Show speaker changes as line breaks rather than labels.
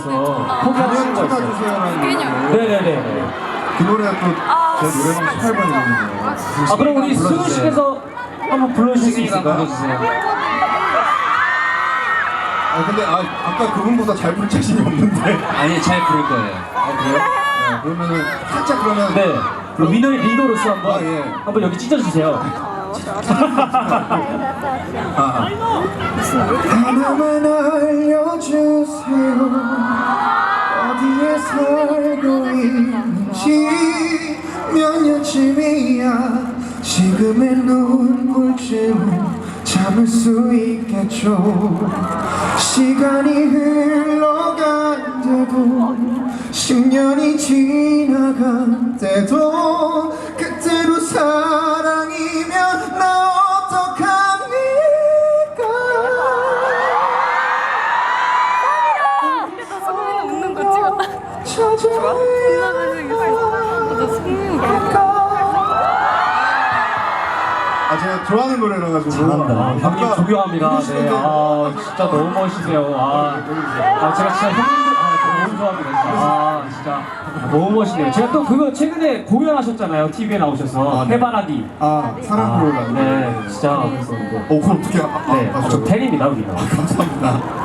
나오셔서 포기하신 거 있어요.
찾아주세요라는
네네네.
그 노래가 또 제 노래방 18번이거든요.
아 그럼 우리 승우 씨께서 한번 불러주실 수 있을까요?
아 근데 아까 그분보다 잘 부를 자신이 없는데.
아니 잘 부를 거예요.
아 그래요? 네, 그러면은 살짝 그러면
네. 그럼 민호의 리더로서 한번
아, 예.
한번 여기 찢어주세요.
하나만 알려주세요. 어디에 살고 있는지 몇 년쯤이야. 지금의 눈물쯤은 참을 수 있겠죠. 시간이 흘러간대도 10년이 지나간대도 그때로 사랑이면 나 어떡합니까?
근데 나 성민이 웃는 거 찍었다.
찾아야 제가 좋아하는 노래라 가지고
잘한다. 형님 존경합니다. 네. 아 진짜 너무 멋있으세요. 제가 진짜 형님들 너무 좋아합니다. 진짜 너무 멋있네요. 제가 또 그거 최근에 공연하셨잖아요. TV에 나오셔서
네.
해바라기.
사랑 프로그램.
네, 진짜 그랬었는데.
그럼 어떻게
네, 저 팬입니다, 우리가.
감사합니다.